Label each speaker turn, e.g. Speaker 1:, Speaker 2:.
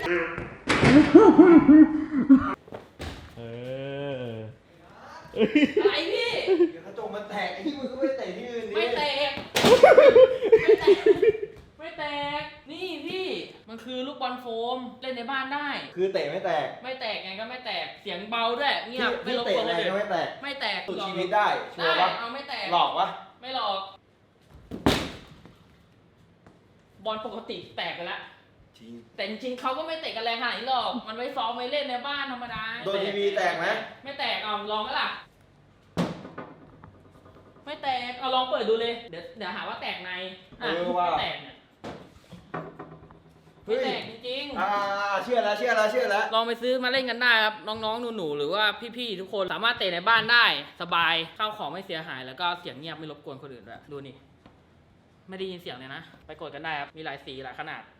Speaker 1: อะไรพี่
Speaker 2: เดี๋ยวกระจกมันแตกไอ้ที่มึงก็ไม่เตะที่อื่นดิ
Speaker 1: ไม่แตกไม่แตกนี่พี่มันคือลูกบอลโฟมเล่นในบ้านได้
Speaker 2: คือเตะไม่แตก
Speaker 1: ไม่แตกไงก็ไม่แตกเสียงเบาด้วยเงียบไม่
Speaker 2: ที่
Speaker 1: รบ
Speaker 2: เตะ
Speaker 1: กวน
Speaker 2: อะไร
Speaker 1: เลย
Speaker 2: ก็ไม่แตก
Speaker 1: ไม่แตก
Speaker 2: สุดชีวิตได้ชัวร์ปะ
Speaker 1: เอาไม่แตก
Speaker 2: หลอกปะ
Speaker 1: ไม่หลอกบอลปกติแตกไปแล้ว
Speaker 2: จริง
Speaker 1: แต่จริงๆเขาก็ไม่เตะกันแรงขนาดนี้หรอกมันไว้ซ้อมไว้เล่นในบ้านธรรมดา
Speaker 2: โดนทีวีแตกไหม
Speaker 1: ไม่แตกเอาลองไหมล่ะไม่แตกเอาลองเปิดดูเลยเดี๋ยวหาว่าแตกในไม่แตกเนี่ยไม่แตกจริงๆ
Speaker 2: เชื่อแล้ว
Speaker 1: ลองไปซื้อมาเล่นกันได้ครับน้องๆหนูๆหรือว่าพี่ๆทุกคนสามารถเตะในบ้านได้สบายข้าวของไม่เสียหายแล้วก็เสียงเงียบไม่รบกวนคนอื่นด้วยดูนี่ไม่ได้ยินเสียงเลยนะไปกดกันได้ครับมีหลายสีหลายขนาด